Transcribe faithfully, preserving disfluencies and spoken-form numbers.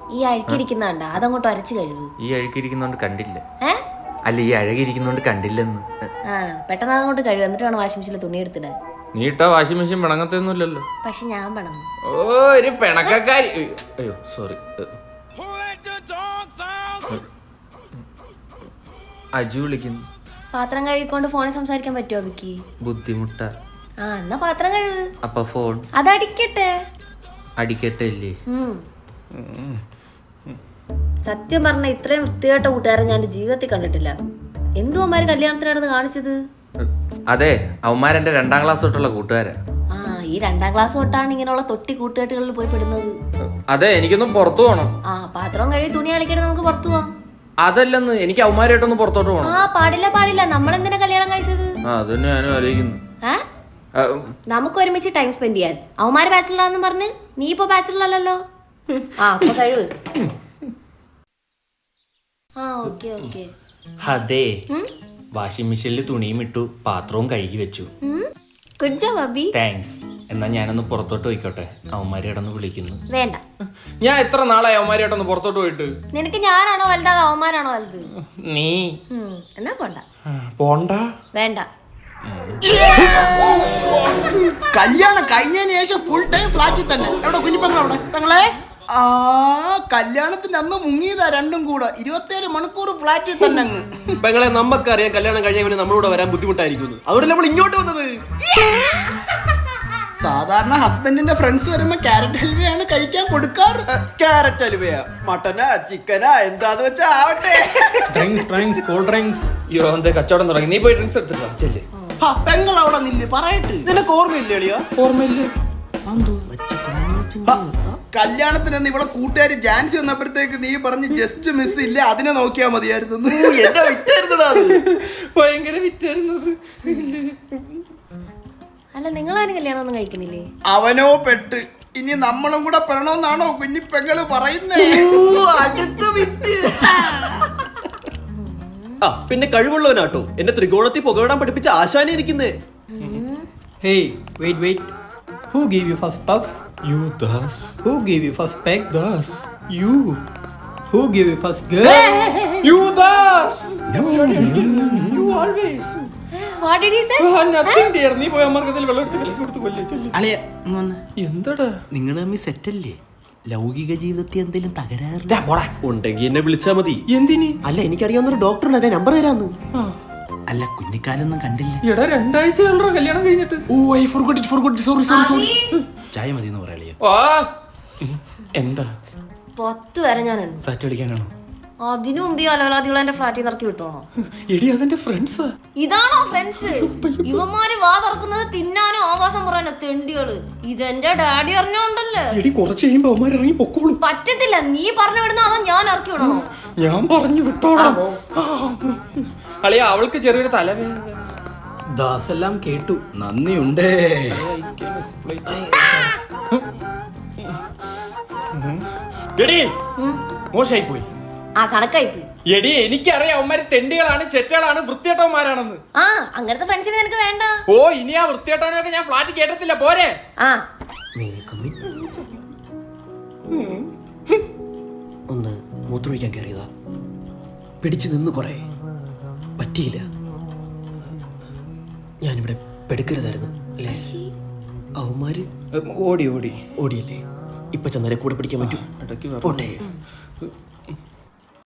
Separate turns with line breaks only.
ഈ അഴുക്കിരിക്കുന്നുണ്ട അതങ്ങോട്ട് അരച്ചു കഴിവ്.
ഈ അഴുക്കിരിക്കുന്നോണ്ട് കണ്ടില്ല.
ഏ
അല്ല ഈ അഴകിരിക്കുന്നോണ്ട് കണ്ടില്ലെന്ന്.
ആ പെട്ടെന്ന് അതങ്ങോട്ട് കഴിവ്, എന്നിട്ട് വേണം വാഷിംഗ് മെഷീനിൽ തുണി എടുത്തിടാൻ.
നീ ഇട്ടാ വാഷിംഗ് മെഷീൻ പിണങ്ങത്തൊന്നുമില്ലല്ലോ.
പക്ഷെ ഞാൻ പണങ്ങും.
ഓ ഒരു പിണക്കക്കാരി. അയ്യോ സോറി. അജു വിളിക്കുന്നു.
പാത്രം കഴുകിക്കൊണ്ട് ഫോണിൽ സംസാരിക്കാൻ പറ്റുമോ വിക്കി?
ബുദ്ധിമുട്ട.
ആ എന്നാ പാത്രം കഴുകു.
അപ്പൊ ഫോൺ
അതടിക്കട്ടെ.
അടിക്കട്ടെ അല്ലേ?
സത്യം പറഞ്ഞ ഇത്രയും വൃത്തികെട്ട കൂട്ടുകാരെ ഞാൻ ജീവിതത്തിൽ കണ്ടിട്ടില്ല. എന്തു അവന്മാര് കല്യാണത്തിനായിരുന്നു കാണിച്ചത്?
അതെ അവന്മാരെന്റെ രണ്ടാം ക്ലാസ് തൊട്ടുള്ള കൂട്ടുകാരാ.
ആ ഈ രണ്ടാം ക്ലാസ് തൊട്ടാണ് ഇങ്ങനെയുള്ള തൊട്ടി കൂട്ടുകെട്ടുകളിൽ പോയി പെടുന്നത്.
അതെ എനിക്കൊന്നും പുറത്തു പോണം.
ആ പാത്രം കഴുകി തുണി അലക്കിയിട്ട് നമുക്ക് പുറത്തു പോവാം.
അതല്ലെന്ന് എനിക്ക് അവന്മാരായിട്ടൊന്ന് പുറത്തോട്ട് പോണം.
ആ പാടില്ല പാടില്ല, നമ്മളെന്തിനാ കല്യാണം കഴിച്ചത്?
ആ അതന്നെ ഞാനും ആലോചിക്കുന്നു.
നമുക്ക് ഒരുമിച്ച് ടൈം സ്പെൻഡ് ചെയ്യാൻ. അവന്മാര് ബാച്ചിലറാന്ന് പറഞ്ഞ് നീ ഇപ്പൊ ബാച്ചിലറല്ലോ. ആ അപ്പൊ കഴിവ്. ആ ഓക്കെ ഓക്കെ.
അതെ വാഷിംഗ് മെഷീനിൽ തുണിയും ഇട്ടു, പാത്രവും കഴുകി വെച്ചു.
Good job Abi.
താങ്ക്സ്. എന്നാ ഞാനൊന്ന് പുറത്തോട്ട് പോയിക്കോട്ടെ, അവന്മാരെ ഇടന്ന് വിളിക്കുന്നു.
വേണ്ട,
ഞാൻ എത്ര നാളായി അവന്മാരായിട്ടൊന്ന് പുറത്തോട്ട് പോയിട്ട്.
നിനക്ക് ഞാനാണോ വലുത് അതോ അവന്മാരാണോ വലുത്?
നീ
എന്നാ പോണ്ട.
പോണ്ട
വേണ്ട.
കല്യാണം കഴിഞ്ഞതിന് ശേഷം ഫുൾ ടൈം ഫ്ലാറ്റിൽ തന്നെ. എവിടെ കുഞ്ഞിപ്പങ്ങൾ? അവിടെ പെങ്ങളെ ആ കല്യാണത്തിന്റെ അന്ന് മുങ്ങിയതാ രണ്ടും കൂടെ. ഇരുപത്തിയേഴ് മണിക്കൂർ ഫ്ലാറ്റിൽ തന്നെ അങ്ങ്.
പെങ്ങളെ നമുക്കറിയാം കല്യാണം കഴിഞ്ഞവന് നമ്മളോട് വരാൻ ബുദ്ധിമുട്ടായിരിക്കുന്നു, അതുകൊണ്ട് നമ്മൾ ഇങ്ങോട്ട് വന്നത്.
സാധാരണ ഹസ്ബൻഡിന്റെ ഫ്രണ്ട്സ് വരുമ്പോ ക്യാരറ്റ് ഹൽവയാണ് കഴിക്കാൻ കൊടുക്കാറ്.
ക്യാരറ്റ് ഹൽവയാ, മട്ടനാ ചിക്കനാ എന്താന്ന് വെച്ചാ ആവട്ടെ.
Drinks drinks cool drinks.
അയ്യോ എന്താ കച്ചവടം തുടങ്ങി? നീ പോയി ഡ്രിങ്ക്സ് എടുത്തിട്ടോ. ചെല്ലേ
പെങ്ങൾ അവിടെ നില്ല് പറയട്ട്.
നിനക്ക് ഓർമ്മയില്ലേ എളിയാ?
ഓർമ്മയില്ല.
കല്യാണത്തിന് ഇവിടെ കൂട്ടുകാർ ജാൻസി വന്നപ്പോഴത്തേക്ക് നീ പറഞ്ഞ് ജസ്റ്റ് മിസ് ഇല്ല, അതിനെ നോക്കിയാ മതിയായിരുന്നു.
എന്നെ വിറ്റായിരുന്നടാ അത്.
ഭയങ്കര വിറ്റായിരുന്നത്.
അല്ല നിങ്ങളാരും കല്യാണം ഒന്നും കഴിക്കുന്നില്ലേ?
അവനോ പെട്ട്. ഇനി നമ്മളും കൂടെ പെടണമെന്നാണോ കുഞ്ഞി പെങ്ങള് പറയുന്നേ?
അടുത്ത വിറ്റ്. ആ പിന്നെ കഴിവുള്ളവനാട്ടോ, എന്നെ ത്രികോണത്തിൽ പുകവിടാൻ പഠിപ്പിച്ച ആശാനെ ഇരിക്കുന്നേ.
Hey, wait, wait. Who gave you first puff?
You Das.
Who gave you first peck?
Das.
You. Who gave you first girl?
You Das.
You always.
What did he say?
Nothing dear. നീ പോയി അമ്മർക്കത്തിൽ വെള്ളം എടുത്ത് കളി കൊടുത്ത് കൊല്ലേ ചെല്ലേ.
അളിയ
എന്താടാ
നിങ്ങൾ തമ്മിൽ സെറ്റല്ലേ? ലൗകിക ജീവിതത്തിൽ എന്തെങ്കിലും തകരാറ്
ഉണ്ടെങ്കിൽ എന്നെ വിളിച്ചാ മതി.
എന്തിന്?
അല്ല എനിക്കറിയാവുന്നൊരു ഡോക്ടറുണ്ട്, അതെ നമ്പർ തരാന്ന്.
അല്ല കുഞ്ഞിക്കാലൊന്നും കണ്ടില്ല.
എടാ രണ്ടാഴ്ച കല്യാണം കഴിഞ്ഞിട്ട്.
Oh I forgot it forgot sorry sorry sorry. ചായ മതി എന്ന് പറയാളിയ.
എന്താ
പത്ത് വരെ ഞാനുണ്ട്.
സാറ്റ് കളിക്കാനാണോ?
അതിനു മുമ്പ് ഈ അലവലാദികളെ എന്റെ ഫ്ലാറ്റിൽ നിന്ന് ഇറക്കി വിട്ടോണോ?
എടി അതെന്റെ ഫ്രണ്ട്സാ.
ഇതാണോ ഫ്രണ്ട്സ്? ഇവന്മാര് വാ തുറക്കുന്നത് തിന്നാനും ആവാസം പറയാനോ തെണ്ടികള്. ഇതെന്റെ ഡാഡി അറിഞ്ഞോണ്ടല്ലേ.
എടി കുറച്ച് കഴിയുമ്പോ അവന്മാർ ഇറങ്ങി പൊക്കോളും.
പറ്റത്തില്ല, നീ പറഞ്ഞു വിടുന്ന അതോ ഞാൻ ഇറക്കി വിടണോ?
ഞാൻ പറഞ്ഞു വിട്ടോളാം. അളിയ അവൾക്ക് ചെറിയൊരു തലവേദന.
ദാസ് എല്ലാം കേട്ടു, നന്ദിയുണ്ട്.
എടി മോശമായി പോയി.
ആ കണക്കായി പോയി.
എടി എനിക്കറിയാം അവന്മാര് തെണ്ടികളാണ്, ചെറ്റകളാണ്, വൃത്തിയേട്ടവന്മാരാണെന്ന്.
ആ അങ്ങനത്തെ ഫ്രണ്ട്സിനെ നിനക്ക് വേണ്ട.
ഓ ഇനി ആ വൃത്തിയേട്ടവനൊക്കെ ഞാൻ ഫ്ലാറ്റിൽ കേട്ടത്തില്ല. പോരെ.
ആ
ഒന്ന് മൂത്രമൊഴിക്കാൻ കയറിയതാ, പിടിച്ചു നിന്ന് കുറെ പറ്റിയില്ല. ഞാനിവിടെ പെടുക്കരുതായിരുന്നു അല്ലേ? അവന്മാര്
ഓടി ഓടി
ഓടിയല്ലേ? ഇപ്പൊ ചെന്നാലേ കൂടെ പിടിക്കാൻ പറ്റും. പോട്ടെ.